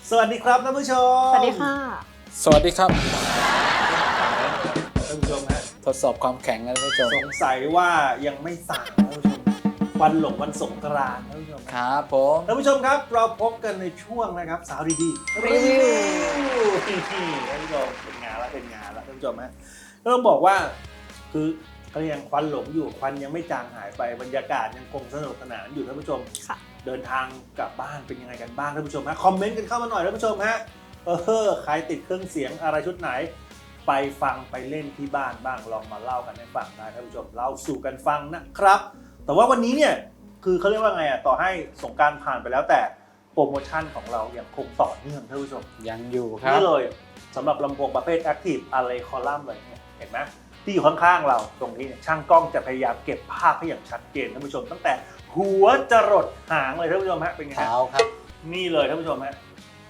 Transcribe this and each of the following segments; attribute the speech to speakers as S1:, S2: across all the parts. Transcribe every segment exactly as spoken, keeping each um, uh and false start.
S1: สวัสดีครับท่านผู้ชม
S2: สวัสดีค่ะ
S3: สวัสดีครับ
S1: ท่านผู้ชมฮะ
S3: ทดสอบความแข็งนะท่านผู้ชม
S1: สงสัยว่ายังไม่สั่งท่านผู้ชมวันหลงวันสงกรานต์ท่านผู้ชม
S3: ครับผม
S1: ท่านผู้ชมครับเราพบกันในช่วงนะครับสาวดีๆรีวิวท่านผู้ชมเป็นงานแล้วเป็นงานแล้วท่านผู้ชมฮะก็ต้องบอกว่าคือก็ยังควันหลงอยู่ควันยังไม่จางหายไปบรรยากาศยังคงสนุกสนานอยู่ท่านผู้ชมเดินทางกลับบ้านเป็นยังไงกันบ้างท่านผู้ชมฮะคอมเมนต์กันเข้ามาหน่อยท่านผู้ชมฮะเออใครติดเครื่องเสียงอะไรชุดไหนไปฟังไปเล่นที่บ้านบ้างลองมาเล่ากันให้ฟังได้ท่านผู้ชมเล่าสู่กันฟังนะครับแต่ว่าวันนี้เนี่ยคือเขาเรียกว่าไงอ่ะต่อให้สงกรานต์ผ่านไปแล้วแต่โปรโมชั่นของเรายังคงต่อเนื่องท่านผู้ชม
S3: ยังอยู่ครับ
S1: นี่เลยสำหรับลำโพงประเภท Active Array Column เลยเนี่ยเห็นไหมที่อยู่ข้างๆเราตรงนี้ช่างกล้องจะพยายามเก็บภาพให้อย่างชัดเจนท่านผู้ชมตั้งแต่หัวจรดหางเลยท่านผู้ชมฮะเป็นไง
S3: เท้าครับ
S1: นี่เลยท่านผู้ชมฮะ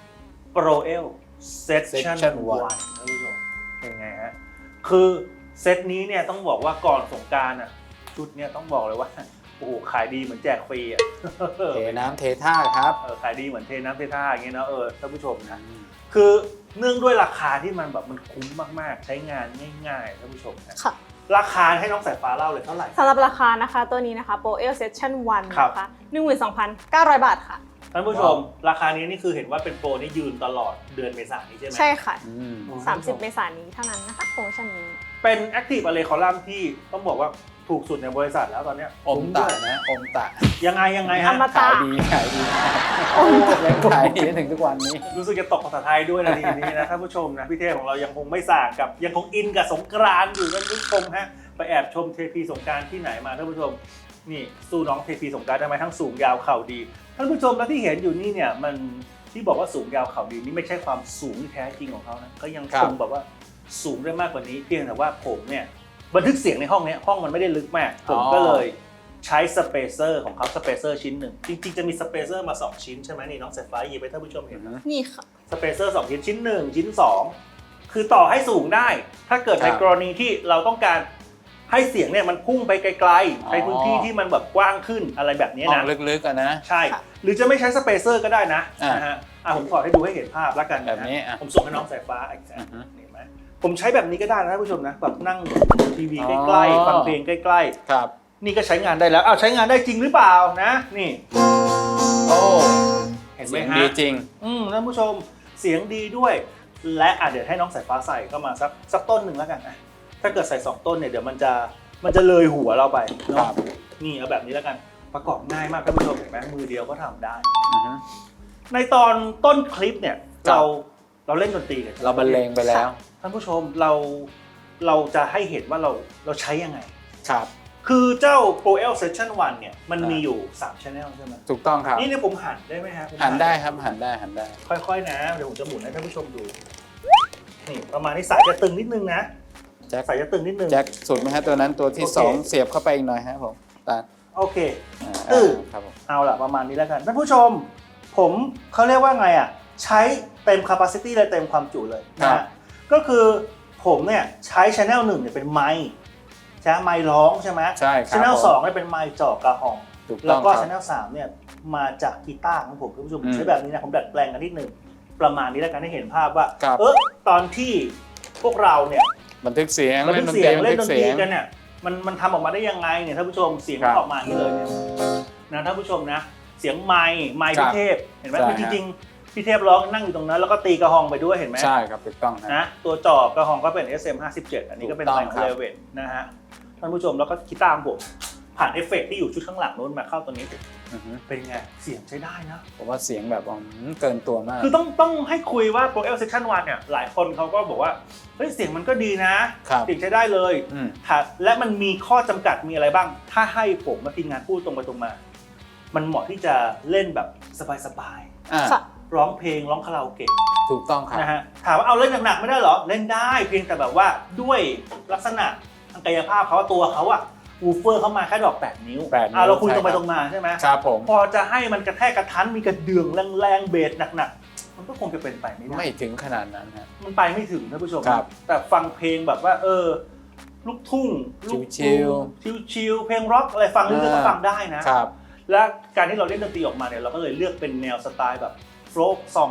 S1: Pro-El Session วันท่านผู้ชมเป็นไงฮะคือเซตนี้เนี่ยต้องบอกว่าก่อนสงกรานต์อ่ะชุดเนี้ยต้องบอกเลยว่าโอ้โหขายดีเหมือนแจกฟรีอ่ะ
S3: เทน้ำเทท่าครับ
S1: เออขายดีเหมือนเทน้ำเทท่าอย่างเงี้ยนะเออท่านผู้ชมนะคือเนื่องด้วยราคาที่มันแบบมันคุ้มมากๆใช้งานง่ายๆท่านผู้ชมนะราคาให้น้องสายฟ้าเล่าเลยเท่าไหร่
S2: สำหรับราคานะคะตัวนี้นะคะ Pro-El Session วันนะคะ หนึ่งหมื่นสองพันเก้าร้อย บาทค่ะ
S1: ท่านผู้ชมราคานี้นี่คือเห็นว่าเป็นโปรนี่ยืนตลอดเดือนเมษายนนี้ใช่ไหม
S2: ใช่ค่ะสามสิบเมษายนนี้เท่านั้นนะคะโปรโมชั่นนี้
S1: เป็น Active Array Column ที่ต้องบอกว่าถูกสุดในบริษัทแล้วตอนนี้
S3: อมตะนะอมตะ
S1: ยังไงยังไงฮะ
S3: ขายดีขายดียังขายดีถึงทุกวันนี้
S1: รู้สึกจะตกภาษาไทยด้วยนะทีนี้นะท่านผู้ชมนะพี่เทพของเรายังคงไม่ส่างกับยังคงอินกับสงกรานต์อยู่ท่านผู้ชมฮะไปแอบชมเทพีสงกรานต์ที่ไหนมาท่านผู้ชมนี่สู้น้องเทพีสงกรานต์ทำไมทั้งสูงยาวเข่าดีท่านผู้ชมแล้วที่เห็นอยู่นี่เนี่ยมันที่บอกว่าสูงยาวเข่าดีนี่ไม่ใช่ความสูงที่แท้จริงของเขานะก็ยังคงแบบว่าสูงได้มากกว่านี้เพียงแต่ว่าผมเนี่ยบันทึกเสียงในห้องนี้ห้องมันไม่ได้ลึกมากผมก็เลยใช้สเปเซอร์ของเขาสเปเซอร์ชิ้นหนึ่งจริงๆจะมีสเปเซอร์มาสองชิ้นใช่ไหมนี่น้องสายฟ้าหยิบไปท่านผู้ชมเห็นนะ
S2: นี่ค่ะ
S1: สเปเซอร์สองชิ้นชิ้นหนึ่งชิ้นสองคือต่อให้สูงได้ถ้าเกิดในกรณีที่เราต้องการให้เสียงเนี่ยมันพุ่งไปไกลๆในพื้นที่ที่มันแบบกว้างขึ้นอะไรแบบนี้นะ
S3: ลึกๆอ่ะนะ
S1: ใช่หรือจะไม่ใช้สเปเซอร์ก็ได้นะนะฮะอ่ะผมขอให้ดูให้เห็นภาพแล้วกัน
S3: แบบนี้
S1: ผมส่งให้น้องสายฟ้าอีกสักเห็นไหมผมใช้แบบนี้ก็ได้นะท่านผู้ชมนะแบบนั่งทีวีใกล้ๆฟังเพลงใกล้
S3: ๆครับ
S1: นี่ก็ใช้งานได้แล้วอ้าวใช้งานได้จริงหรือเปล่านะนี่
S3: โอ้
S1: เห็นไหมฮะ
S3: ดีจริง
S1: อืมท่านผู้ชมเสียงดีด้วยและอ่ะเดี๋ยวให้น้องสายฟ้าใส่เข้ามาสักสักต้นหนึ่งแล้วกันถ้าเกิดใส่สองต้นเนี่ยเดี๋ยวมันจะมันจะเลยหัวเราไปเนาะนี่เอาแบบนี้แล้วกันประกอบง่ายมากท่านผู้ชมเห็นไหมมือเดียวก็ทำได้ในตอนต้นคลิปเนี่ยเราเราเล่นดนตรีกัน
S3: เราบรรเลงไปแล้ว
S1: ท่านผู้ชมเราเราจะให้เห็นว่าเราเราใช้ยังไง
S3: ครับ
S1: คือเจ้า Pro-El Session วันเนี่ยมันมีอยู่สาม channel ใช่ไหม
S3: ถูกต้องครับ
S1: นี่เนี่ยผมหันได้ไหมฮะ
S3: หันได้ครับหันได้หันได้
S1: ค่อยๆนะเดี๋ยวผมจะหมุนให้ท่านผู้ชมดูนี่ประมาณนี้สายจะตึงนิดนึงนะสายจะตึงนิดนึง
S3: แจ็คสุดไหมฮะตัวนั้นตัวที่สองเสียบเข้าไปอีกหน่อยฮะผมตา
S1: โอเคตื้อ
S3: ครับผม
S1: เอาล่ะประมาณนี้แล้วกันท่านผู้ชมผมเขาเรียกว่าไงอ่ะใช้เต็ม capacity เลยเต็มความจุเลยนะก็คือผมเนี่ยใช้ channel หนึ่งเนี่ยเป็นไมค์ใช่ไมค์ร้องใช่ไหม
S3: ใช่ครับ
S1: channel สองเนี่ยเป็นไมค์จ่อกระหองแล้วก็ channel สามเนี่ยมาจากกีตาร์ของผมท่านผู้ชมใช้แบบนี้นะผมดัดแปลงกันนิดนึงประมาณนี้แล้วกันให้เห็นภาพว่าเออตอนที่พวกเราเนี่ย
S3: บันทึกเสียง
S1: เล่นดนตรีเล่นดนตรีกันเนี่ยมันมันทำออกมาได้ยังไงเนี่ยท่านผู้ชมเสียงออกมาอย่างนี้เลยเนี่ยนะท่านผู้ชมนะเสียงไมค์ไมค์พี่เทพเห็นไหมจริงๆพี่เทพร้องนั่งอยู่ตรงนั้นแล้วก็ตีกระหองไปด้วยเห็นไหม
S3: ใช่ครับถูกต้อง
S1: นะตัวจอบกระหองก็เป็น เอส เอ็ม ห้าสิบเจ็ดอันนี้ก็เป็นไมค์ของเลเวตนะฮะท่านผู้ชมแล้วก็กีตาร์ผมผ่านเอฟเฟกต์ที่อยู่ชุดข้างหลังโน้นมาเข้าตัวนี้เป็นไงเสียงใช้ได้นะ
S3: ผมว่าเสียงแบบเกินตัวมาก
S1: คือต้องต้องให้คุยว่า Pro-El Session วันเนี่ยหลายคนเขาก็บอกว่าเฮ้ยเสียงมันก็ดีนะเสียงใช้ได้เลยและมันมีข้อจำกัดมีอะไรบ้างถ้าให้ผมมาทีมงานพูดตรงไปตรงมามันเหมาะที่จะเล่นแบบสบายๆร้องเพลงร้องคาราโอเกะ
S3: ถูกต้องครับ
S1: นะฮะถามว่าเอาเล่นหนักๆไม่ได้เหรอเล่นได้เพียงแต่แบบว่าด้วยลักษณะทางกายภาพเขาตัวเขาอะวูฟเฟอร์เข้ามาแค่ดอกแปดนิ้วอ่าเราคุยตรงไปตรงมาใช่ไหม
S3: ครับผม
S1: พอจะให้มันกระแทกกระทันมีกระเดื่องแรงๆเบสหนักๆมันก็คงจะเป็นไปไม่ได้
S3: ไม่ถึงขนาดนั้นฮะ
S1: มันไปไม่ถึงท่านผู้ชมแต่ฟังเพลงแบบว่าเออลูกทุ่งลูก
S3: ชิล
S1: ชิลเพลงร็อกอะไรฟังเรื่อยๆก็ฟังได้นะและการที่เราเล่นดนตรีออกมาเนี่ยเราก็เลยเลือกเป็นแนวสไตล์แบบโฟล์คซองหน่อย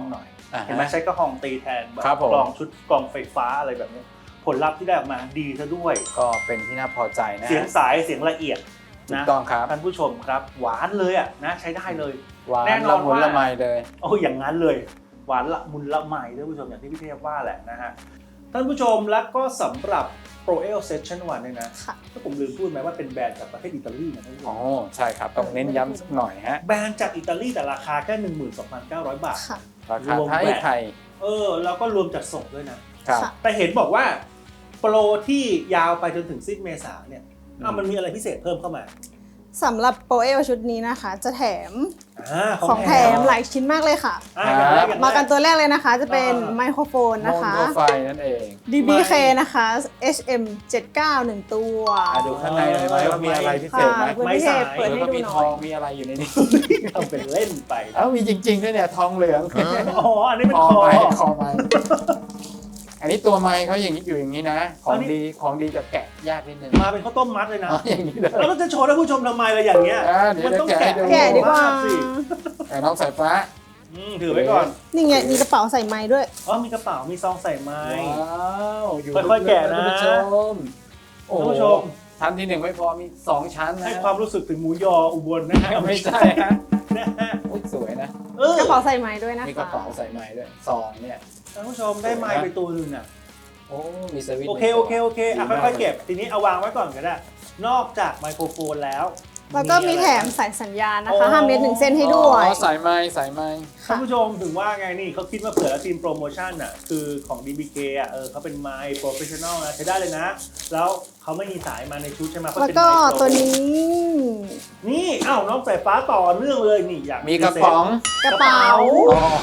S3: อ่าฮะ
S1: เห็นไหมใช้กระหองตีแทนแบบ
S3: ครับผม
S1: กลองชุดกลองไฟฟ้าอะไรแบบนี้ผลลัพธ์ที่ได้ออกมาดีซะด้วย
S3: ก็เป็นที่น่าพอใจนะ
S1: เสียงสายเสียงละเอียด
S3: ถูก
S1: นะ
S3: ต้องครับ
S1: ท่านผู้ชมครับหวานเลยอ่ะนะใช้ได้เลย
S3: หวาน
S1: แน่นอน
S3: ละมุน
S1: ว่า
S3: ละไมเลย
S1: โอ้อย่างนั้นเลยหวานละมุนละไมท่านผู้ชมอย่างที่พี่เทพว่าแหละนะฮะท่านผู้ชมแล้วก็สำหรับ Pro-El Session วันเนี่ยนะ
S2: ค่ะ
S1: ถ้าผมลืมพูดไหมว่าเป็นแบรนด์จากประเทศอิตาลีนะท่านผู้ช
S3: อ๋อ
S1: ม
S3: ใช่ครับต้องเน้นย้ำสักหน่อยฮะ
S1: แบรนด์จากอิตาลีแต่ราคาแค่ หนึ่งหมื่นสองพันเก้าร้อย บาท
S2: ค่ะ
S3: ราคาร
S1: วม
S3: ไทย
S1: แบต
S3: ไทย
S1: เออแล้วก็รวมจัดส่งด้วยนะ
S3: ครับ
S2: ค่ะ
S1: แต่เห็นบอกว่าโปรที่ยาวไปจนถึงสิ้นเมษาเนี่ย
S3: อืม
S1: อ้าวมันมีอะไรพิเศษเพิ่มเข้ามา
S2: สำหรับโปรเอลชุดนี้นะคะ จะแถม
S1: อ่า
S2: ของแถมหลายชิ้นมากเลยค่ะ
S1: อ่าอย่างแรกอย่างแร
S2: มากันตัวแรกเลยนะคะ จะเป็น
S1: อ่า
S2: ไมโครโฟน
S3: โม
S2: นะคะ
S3: โนไฟนั่นเอง
S2: ดี บี เค นะคะ เอช เอ็ม เจ็ดสิบเก้า หนึ่ง ตัว
S3: อ่ะดูข้างในหน่อยไหมว่ามีอะไรพิเศ
S2: ค่ะ
S3: ษไหม
S2: คุณพิเศษเปิดให้
S3: แล้วก็
S2: ดู
S3: มี
S2: หน่
S3: ท
S2: อ
S3: อย งมีอะไรอยู่ในนี้
S1: ทำเป็นเล่นไป
S3: เอ้ามีจริงๆด้วยเนี่ยทองเหลือง
S1: อ๋ออันนี้เป็น
S3: คอ
S1: คอ
S3: ไม้คอไม้อันนี้ตัวไม้เขาอย่างนี้อยู่อย่างนี้นะ ขอ
S1: อั
S3: ง
S1: นนี้
S3: ดีของดีจะแกะยากนิดนึง
S1: มาเป็นข้าวต้มมัดเลยนะ
S3: อ๋ออย่างนี้เลย
S1: แล้วเราจะโชว์ท่านผู้ชมทำไมล่ะอย่างเงี้ย
S3: อ่าเดี๋ยว
S1: มันต้อง
S3: จะแกะ
S1: แกะ
S3: ให้ดู
S2: แกะดีกว่า
S1: สิ
S3: แต่น้องสายฟ้า
S1: อืมถือไว้ก่อน
S2: นี่ไงมีกระเป๋าใส่ไม้ด้วย
S1: อ๋อมีกระเป๋ามีซองใส่ไม้
S3: ว้าวอยู่
S1: ค่อยๆแกะนะ
S3: ท่านผู้ชมโอ้
S1: ท่าน
S3: โห
S1: ผู้ชม
S3: ชั้นที่หนึ่งไม่พอมีสองชั้นนะ
S1: ให้ความรู้สึกถึงหมูยออุบลนะฮะ
S3: ไม่ใช่ฮะ
S1: นะฮะ
S3: อุ๊ยสวยนะ
S1: เออก
S2: ระเป๋าใส่ไม้ด้วยนะคะ
S3: มีกระเป๋าใส่ไม้ด้วยซองเนี่ย
S1: ท่านผู้ชมได้ไม้ไปตัวหนึงอ่ะ
S3: โอ้มีสวิตช์
S1: โอเคโอเคโอเคอ่ะ
S3: ดีมาก
S1: ค่อยๆเก็บทีนี้เอาวางไว้ก่อนก็ได้นอกจากไมโครโฟนแล้ว
S2: แล้วก็มี
S1: อะไร
S2: แถม
S1: บ้าง
S2: สายสัญญาณนะคะห้าเมตรหนึ่งเส้นให้ด้วย
S3: อ๋อสายไม้สายไม้
S1: ท่านผู้ชมถึงว่าไงนี่เขาคิดมาเผื่อแล้วทีมโปรโมชั่นอ่ะคือของ ดี บี เค อ่ะเออเขาเป็นไมค์โปรเฟชชั่นอลนะใช้ได้เลยนะ แล้วเขาไม่มีสายมาในชุดใช่ไหมเขา
S2: แล้ว
S1: เป็น
S2: ก็
S1: ไมค์โปร
S2: ตัวนี้
S1: นี่อ้าวน้องสายฟ้าต่อเนื่องเลยนี่อยาก
S3: มีกระป๋อง
S2: กระเป๋า
S3: อ๋อก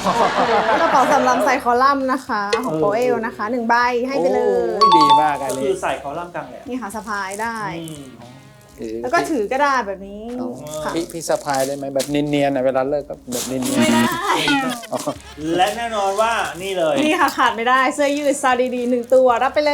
S2: ระเป๋าสำหรับใส่คอลัมน์นะคะ ของโปรเอลนะคะหนึ่งใบให้ไปเลย
S3: โอ้ดีมากอัน
S1: ก็
S3: นี้
S1: คือใส่คอลัมน์กลางแหลม
S2: นี่ค่ะสะพายได้
S1: อืม
S3: ถือ
S2: แล้วก็ถือก็ได้แบบนี้
S3: เอา
S2: ค่ะ
S3: พี่พี่สะพายได้ไหมแบบเนียนๆนะเวลาเลิกก็แบบเนียนๆ
S2: ไม่ได้
S3: อ๋อ
S1: และแน่นอนว่านี่เลย
S2: นี่ค่ะขาดไม่ได้เสื้อยืดซาดีดีหนึ่งตัวรับไปเลย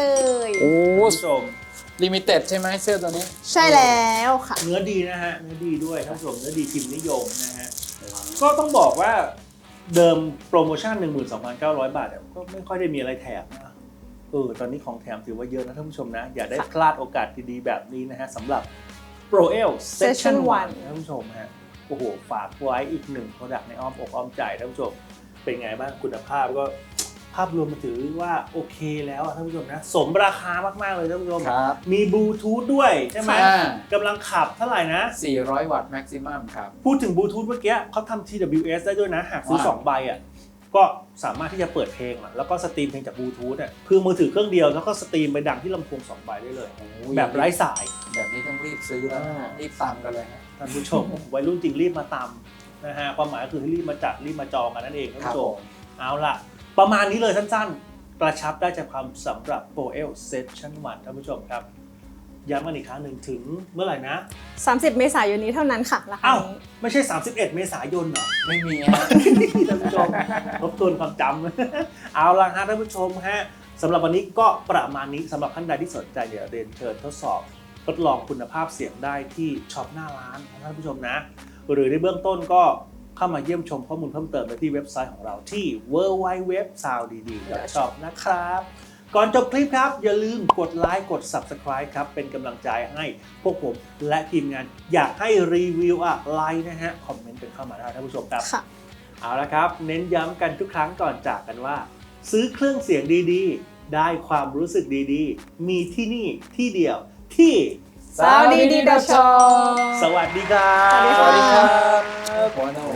S3: โอ้
S1: คุณผู้ชม
S3: ลิมิเต็ดใช่ไหมเสื้อตัวนี้
S2: ใช่แล้วค่ะ
S1: เนื้อดีนะฮะเนื้อดีด้วยท่านผู้ชมเนื้อดีพิมพ์นิยมนะฮะก็ต้องบอกว่าเดิมโปรโมชั่น หนึ่งหมื่นสองพันเก้าร้อย บาทเนี่ยก็ไม่ค่อยได้มีอะไรแถมนะเออตอนนี้ของแถมถือว่าเยอะนะท่านผู้ชมนะอย่าได้พลาดโอกาสดีๆแบบนี้นะฮะสำหรับ Pro-El Session
S2: Session
S1: วันท่านผู้ชมฮะโอ้โหฝากไว้อีกหนึ่ง product ในอ้อมอกอ้อมใจท่านผู้ชมเป็นไงบ้างคุณภาพก็ภาพรวมมาถือว่าโอเคแล้วอะท่านผู้ชมนะสมราคามากๆเลยท่านผู้ชม
S3: ครับ
S1: มีบลูทูธด้วยใช่ไหม
S3: อ่าก
S1: ำลังขับเท่าไหร่นะ
S3: สี่ร้อยวัตต์แม็กซิมัมครับ
S1: พูดถึงบลูทูธเมื่อกี้เขาทำ ที ดับเบิลยู เอส ได้ด้วยนะ หากซื้อ
S3: ว้าว
S1: สองใบอ่ะก็สามารถที่จะเปิดเพลงอะแล้วก็สตรีมเพลงจากบลูทูธอ่ะคือมือถือเครื่องเดียวแล้วก็สตรีมไปดังที่ลำโพงสองใบได้เลย
S3: โอ้ย
S1: แบบไร้สาย
S3: แบบนี้ต้องรีบซื้อแล้วนะ
S1: อ่า
S3: รีบตามกันเลยฮะ
S1: ท่านผู้ชม วัยรุ่นจริงรีบมาตามนะฮะความหมายก็คือให้รีบมาจัดรีบมาจองกันนั่นเองท่านผู้ชมเอาล่ะ ประมาณนี้เลยสั้นๆ กระชับได้ใจความสำหรับ Pro-El Session วันท่านผู้ชมครับย้ำกันอีกครั้งหนึ่งถึงเมื่อไหร่นะ
S2: สามสิบ เมษายนนี้เท่านั้นค่ะราคา
S1: อ้าว
S2: นี้
S1: ไม่ใช่ สามสิบเอ็ด เมษายนเหรอ
S3: ไม่มีฮะ
S1: ท่านผู้ชมทบทวนความจำ เอาละฮะท่านผู้ชมฮะสำหรับวันนี้ก็ประมาณนี้สำหรับท่านใดที่สนใจเดี๋ยวเรียนเชิญทดสอบทดลองคุณภาพเสียงได้ที่ช็อปหน้าร้านนะท่านผู้ชมนะ หรือในเบื้องต้นก็เข้ามาเยี่ยมชมข้อมูลเพิ่มเติมได้ที่เว็บไซต์ของเราที่ ดับเบิลยู ดับเบิลยู ดับเบิลยู ดอท ซาวด์ ดี ดี ดอท ช็อป นะครับ ก่อนจบคลิปครับ อย่าลืมกดไลค์กด Subscribe ครับ เป็นกำลังใจให้พวกผมและทีมงานอยากให้รีวิวอะไรนะฮะ คอมเมนต์กันเข้ามาได้ท่านผู้ชมครับ
S2: ค่ะ
S1: เอาละครับ เน้นย้ำกันทุกครั้งก่อนจากกันว่า ซื้อเครื่องเสียงดีๆ ได้ความรู้สึกดีๆ มีที่นี่ที่เดียวที่
S2: ซาวด์ดีดี ดอท ช็อป
S1: สวัสดีครับ
S2: สวัสดี
S3: สวัสดี
S2: ค่ะ
S3: ครับ